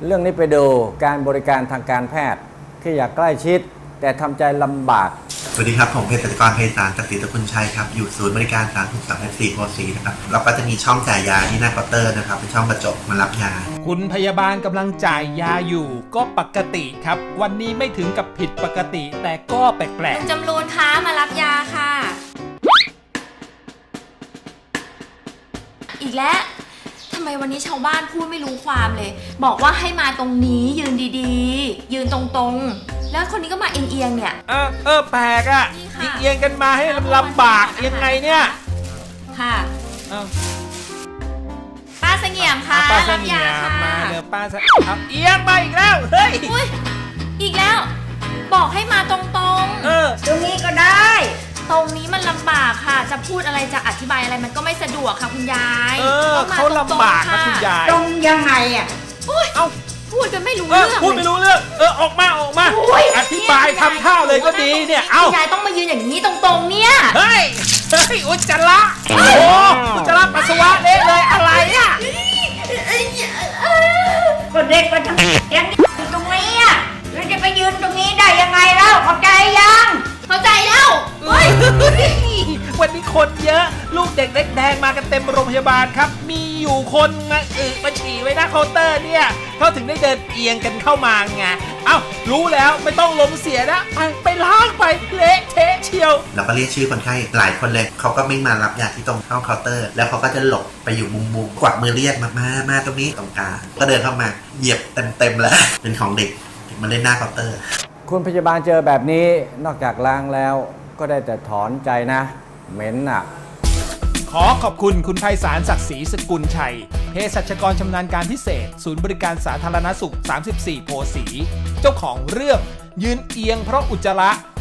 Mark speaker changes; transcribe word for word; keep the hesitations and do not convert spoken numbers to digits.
Speaker 1: เรื่องนี้ไปดูการบริการทางการแพทย์ที่อยากใกล้ชิดแต่ทำใจลำบาก
Speaker 2: สวัสดีครับผมเภสัชกรไพศาล ศักดิ์ศรีตระกูลชัยครับอยู่ศูนย์บริการสาธารณสุขสามสิบสี่โพสีนะครับเราก็จะมีช่องจ่ายยาที่หน้าเคาน์เตอร์นะครับเป็นช่องกระจกมารับยา
Speaker 3: คุณพยาบาลกำลังจ่ายยาอยู่ก็ปกติครับวันนี้ไม่ถึงกับผิดปกติแต่ก็แปลกๆ
Speaker 4: คุณจำรูนคะมารับยาค่ะอีกแล้วทำไมวันนี้ชาวบ้านพูดไม่รู้ความเลยบอกว่าให้มาตรงนี้ยืนดีๆยืนตรงๆแล้วคนนี้ก็มาเอียงๆเนี่ย
Speaker 3: เออเออแปลกอ่ะเอียงกันมาให้ลำบากยังไงเนี่ย
Speaker 4: ค่ะป้าเสงี่ยมค่ะ
Speaker 3: ป้าเสงี่ยมมาเดี๋ยวป้าเสเอียงมาอีกแล้วเฮ้ย
Speaker 4: อีกแล้วบอกให้มาตรงๆ
Speaker 3: เออ
Speaker 4: ตรงนี้ก็ได้ตรงนี้มันลำบากค่ะจะพูดอะไรจะอธิบายอะไรมันก็ไม่สะดวกค่ะคุณยาย
Speaker 3: เออเขาลำบากนะคุณยาย
Speaker 4: ตรงยังไงอ่ะเอ้าพูดกันไม่รู้เรื่อง
Speaker 3: พูดไม่รู้เรื่องเออออกมาออกมาอธิบายทำท่าเลยก็ดีเนี่ยเอ้าย
Speaker 4: ายต้องมายืนอย่างนี้ตรงๆเนี่ย
Speaker 3: เฮ้ยเฮ้ยอุจจาระโอ้อุจจาระปัสสาวะเละเลยอะไรอ่ะ
Speaker 5: ก็เด็กมาทำยังตรงนี้อ่ะแล้วจะไปยืนตรงนี้ได้ยังไงเล่าเข้าใจยัง
Speaker 4: เข้าใจแล้ว
Speaker 3: วันนี้คนเยอะลูกเด็กเล็กแดงมากันเต็มโรงพยาบาลครับมีอยู่คนมาอึมาฉี่ไว้หน้าเคาน์เตอร์เนี่ยเขาถึงได้เดินเอียงกันเข้ามาไงเอ้ารู้แล้วไม่ต้องล้มเสียนะไปไปล้างไปเละเทะเชียว
Speaker 2: เราก็เรียกชื่อคนไข้หลายคนเลยเขาก็ไม่มารับยาที่ตรงห้องเคาน์เตอร์แล้วเขาก็จะหลบไปอยู่มุมๆกวักมือเรียกมามามาตรงนี้ตรงกลางก็เดินเข้ามาเหยียบเต็มๆแล้วเป็นของเด็กมาเล่นหน้าเคาน์เตอร์
Speaker 1: คุณพยาบาลเจอแบบนี้นอกจากล้างแล้วก็ได้แต่ถอนใจนะเหม็นอ่ะ
Speaker 3: ขอขอบคุณคุณไพศาล ศักดิ์ศรีสกุลชัยเภสัชกรชำนาญการพิเศษศูนย์บริการสาธารณสุขสามสิบสี่โพสีเจ้าของเรื่องยืนเอียงเพราะอุจจาระ